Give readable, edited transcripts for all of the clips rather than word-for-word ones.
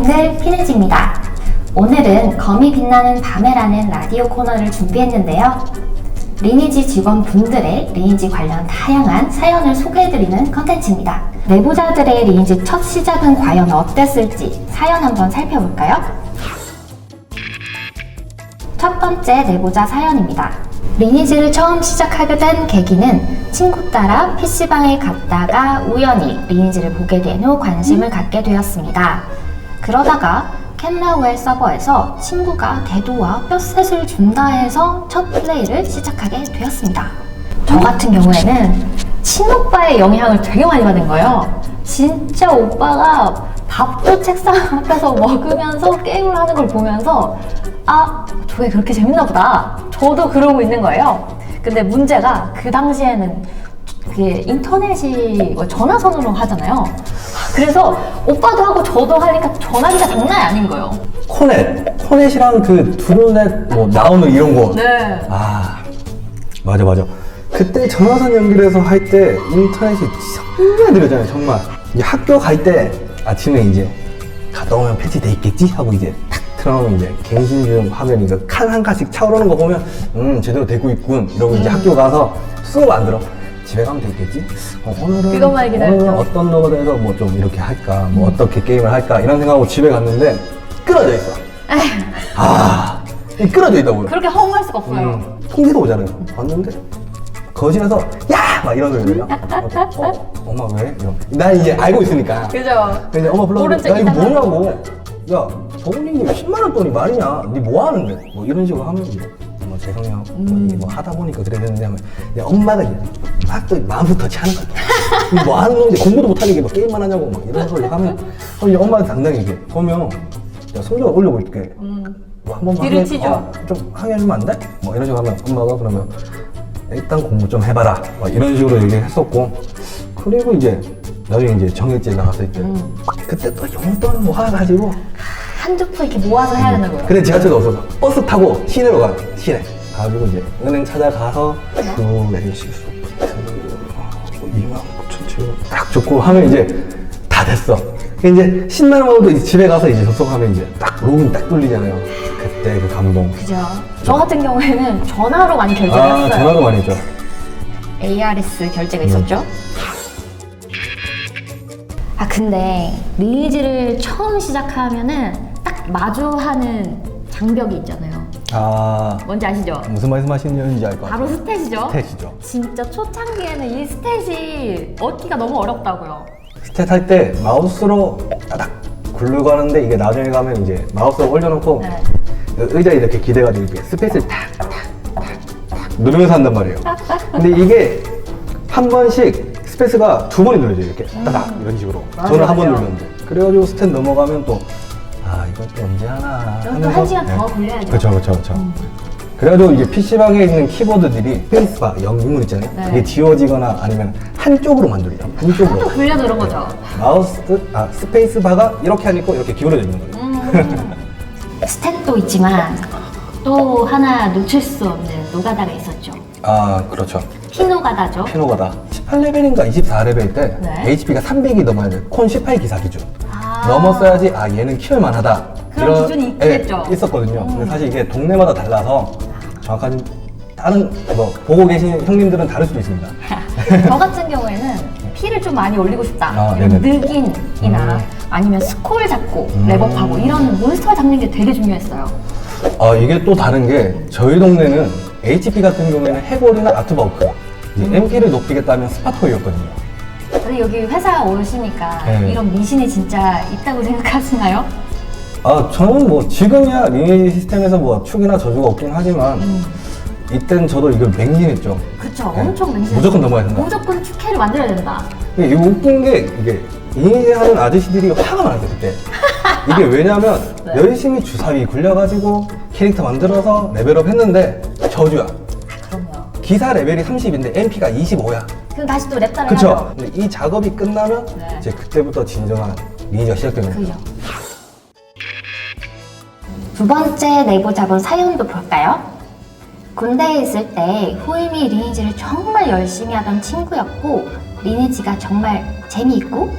싱글 피네지입니다. 오늘은 검이 빛나는 밤에라는 라디오 코너를 준비했는데요. 리니지 직원분들의 리니지 관련 다양한 사연을 소개해드리는 컨텐츠입니다. 내부자들의 리니지 첫 시작은 과연 어땠을지 사연 한번 살펴볼까요? 첫 번째 내부자 사연입니다. 리니지를 처음 시작하게 된 계기는 친구 따라 PC방에 갔다가 우연히 리니지를 보게 된 후 관심을 갖게 되었습니다. 그러다가 캔라우엘 서버에서 친구가 대도와 뼈셋을 준다 해서 첫 플레이를 시작하게 되었습니다. 저 같은 경우에는 친오빠의 영향을 되게 많이 받은 거예요. 진짜 오빠가 밥도 책상 앞에서 먹으면서 게임을 하는 걸 보면서 아, 저게 그렇게 재밌나 보다. 저도 그러고 있는 거예요. 근데 문제가 그 당시에는 그게 인터넷이 전화선으로 하잖아요. 그래서 오빠도 하고 저도 하니까 전화기가 장난이 아닌 거예요. 코넷이랑 그 드론넷 뭐 나오는 이런 거. 네. 아, 맞아. 그때 전화선 연결해서 할 때 인터넷이 정말 느려져요, 정말. 이제 학교 갈 때 아침에 이제 갔다 오면 패치돼 있겠지 하고 이제 탁 틀어놓으면 이제 갱신 중 화면이 칸 한 칸씩 차오르는 거 보면 제대로 되고 있군 이러고 이제 학교 가서 수업 안 들어. 집에 가면 되겠지? 오늘은 어떤 노드에서 뭐 좀 이렇게 할까? 뭐 어떻게 게임을 할까? 이런 생각하고 집에 갔는데 끊어져 있어. 이 끊어져 있다고요. 그렇게 허무할 수가 없어요. 통지도 오잖아요. 봤는데 거실에서 야! 막 이런 소리 들려. 엄마 왜? 난 이제 알고 있으니까. 그죠? 근데 엄마 불러서 야 이거 뭐냐고. 야 정훈이님 10만원 돈이 말이냐? 니 뭐 하는데? 뭐 이런 식으로 하면 이제 뭐 죄송해요. 뭐 하다 보니까 그랬는데 하면 엄마가 이제 막 또 마음부터 터치하는 거야. 뭐 하는 놈인데 공부도 못하게 막 게임만 하냐고 막 이런 소리 하면 이제 엄마한테 당당하게 그러면 야 성적을 올려볼게. 뭐 한 번만 뒤를 치죠. 좀 항의해주면 안 돼? 뭐 이런 식으로 하면 엄마가 그러면 일단 공부 좀 해봐라 뭐 이런 식으로 얘기했었고 그리고 이제 나중에 이제 정액제 나갔을 때 그때 또 용돈 모아가지고 한두 푼 이렇게 모아서 해야 되는 거예요. 근데 지하철도 없어서 버스 타고 시내로 가요. 시내 가지고 이제 은행 찾아가서 그 NC수 29,000원 딱 줬고 하면 이제 다 됐어. 이제 신나는 마음도 이제 집에 가서 이제 접속하면 이제 딱 로그인 딱 뚫리잖아요. 그때 그 감동. 그죠. 저 같은 경우에는 전화로 많이 결제를 했어요. 전화로 많이 했죠. ARS 결제가 있었죠. 아 근데 리니지를 처음 시작하면은 딱 마주하는 장벽이 있잖아요. 뭔지 아시죠? 무슨 말씀하시는지 알 것 같아요. 바로 스탯이죠. 스탯이죠. 진짜 초창기에는 이 스탯이 얻기가 너무 어렵다고요. 스탯 할 때 마우스로 따닥 굴르고 하는데 이게 나중에 가면 이제 마우스를 올려놓고 네. 의자에 이렇게 기대가지고 이렇게 스페이스를 탁 누르면서 한단 말이에요. 근데 이게 한 번씩 스페이스가 두 번이 눌러져요. 이렇게 따닥 이런 식으로. 저는 한 번 누르는데. 그래가지고 스탯 넘어가면 또 이것도 언제 하나 또 한 시간 더 걸려야죠. 그렇죠. 그래가지고 이제 PC방에 있는 키보드들이 스페이스바 영문 있잖아요. 네. 이게 지워지거나 아니면 한쪽으로 만들죠. 또 한쪽으로. 굴려도 그런 거죠. 스페이스바가 이렇게 하니까 이렇게 기울어져 있는 거예요. 스탯도 있지만 또 하나 놓칠 수 없는 노가다가 있었죠. 그렇죠. 피노가다죠. 피노가다. 18레벨인가 24레벨 때 네. HP가 300이 넘어야 돼. 콘 18 기사 기준. 넘었어야지 얘는 키울만 하다. 그런 기준이 있겠죠. 있었거든요. 근데 사실 이게 동네마다 달라서 정확한 다른 보고 계신 형님들은 다를 수도 있습니다. 저 같은 경우에는 피를 좀 많이 올리고 싶다. 이런 네네. 늑인이나 아니면 스콜 잡고 랩업하고 이런 몬스터 잡는 게 되게 중요했어요. 이게 또 다른 게 저희 동네는 HP 같은 경우에는 해골이나 아트버크 이제 MP를 높이겠다면 스파토이였거든요. 근데 여기 회사 오시니까 네. 이런 미신이 진짜 있다고 생각하시나요? 저는 뭐 지금이야 리니지 시스템에서 뭐 축이나 저주가 없긴 하지만 이땐 저도 이걸 맹신했죠. 그쵸. 네. 엄청 맹신. 무조건 넘어야 된다. 무조건 축회를 만들어야 된다. 이게 웃긴 게 이게 리니지 하는 아저씨들이 화가 많았어요 그때. 이게 왜냐면 네. 열심히 주사위 굴려가지고 캐릭터 만들어서 레벨업 했는데 저주야. 그럼요. 기사 레벨이 30인데 MP가 25야. 그럼 다시 또 랩다를 그쵸? 해야죠. 근데 이 작업이 끝나면 네. 이제 그때부터 진정한 리니지가 시작되는 거예요. 그죠. 두 번째 내부자본 사연도 볼까요? 군대에 있을 때 후임이 리니지를 정말 열심히 하던 친구였고 리니지가 정말 재미있고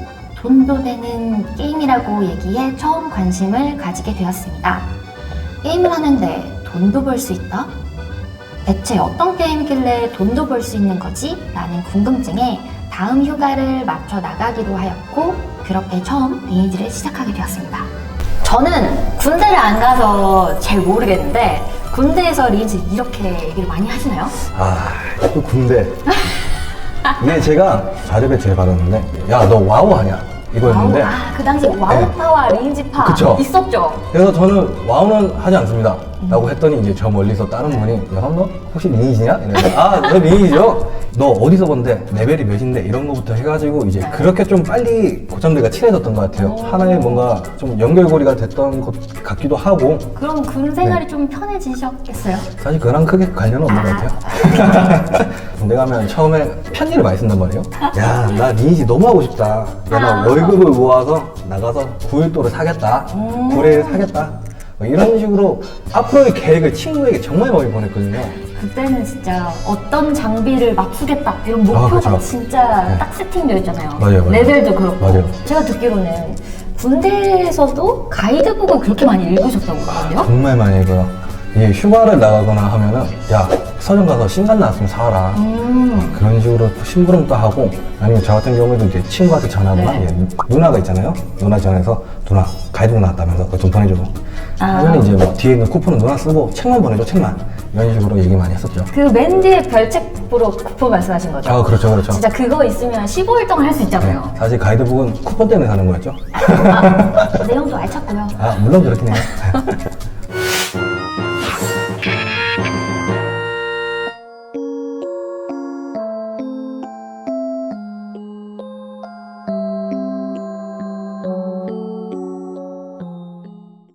돈도 되는 게임이라고 얘기해 처음 관심을 가지게 되었습니다. 게임을 하는데 돈도 벌 수 있다? 대체 어떤 게임이길래 돈도 벌 수 있는 거지? 라는 궁금증에 다음 휴가를 맞춰 나가기로 하였고 그렇게 처음 리니지를 시작하게 되었습니다. 저는 군대를 안 가서 잘 모르겠는데 군대에서 리니지 이렇게 얘기를 많이 하시나요? 또 군대. 이게 제가 자립에 제일 받았는데, 야, 너 와우 하냐? 이거였는데. 와우, 그 당시 와우파와 리니지파 그쵸. 있었죠? 그래서 저는 와우는 하지 않습니다. 라고 했더니 이제 저 멀리서 다른 분이, 야, 너 혹시 리니지냐? 이러는데, 너 리니지죠? 너 어디서 본데? 레벨이 몇인데? 이런 거부터 해가지고 이제 그렇게 좀 빨리 고참들과 친해졌던 것 같아요. 하나의 뭔가 좀 연결고리가 됐던 것 같기도 하고, 그럼 군 생활이 좀 편해지셨겠어요? 사실 그거랑 크게 관련은 없는 것 같아요. 군대 가면 처음에 편지를 많이 쓴단 말이에요. 야, 나 리니지 너무 하고 싶다. 야, 나 월급을 모아서 나가서 9일도를 사겠다. 9회를 사겠다. 뭐 이런 식으로 앞으로의 계획을 친구에게 정말 많이 보냈거든요. 그때는 진짜 어떤 장비를 맞추겠다 이런 목표가 그쵸. 진짜 네. 딱 세팅되어 있잖아요. 맞아요. 레벨도 그렇고. 맞아요. 제가 듣기로는 군대에서도 가이드북을 그렇게 많이 읽으셨다고 하거든요. 정말 많이 읽어요. 이게 휴가를 나가거나 하면은, 야, 서점 가서 신간 나왔으면 사와라. 그런 식으로 심부름도 하고, 아니면 저 같은 경우에도 이제 친구한테 전화하거나, 네. 누나가 있잖아요. 누나 전화해서, 누나, 가이드북 나왔다면서 그거 좀 보내주고. 하면 이제 뭐 뒤에 있는 쿠폰은 누나 쓰고, 책만 보내줘, 책만. 이런 식으로 얘기 많이 했었죠. 그 맨 뒤에 별책부로 쿠폰 말씀하신 거죠? 그렇죠, 그렇죠. 진짜 그거 있으면 15일 동안 할 수 있잖아요. 사실 가이드북은 쿠폰 때문에 사는 거였죠. 내용도 알찼고요. 물론 그렇긴 해요.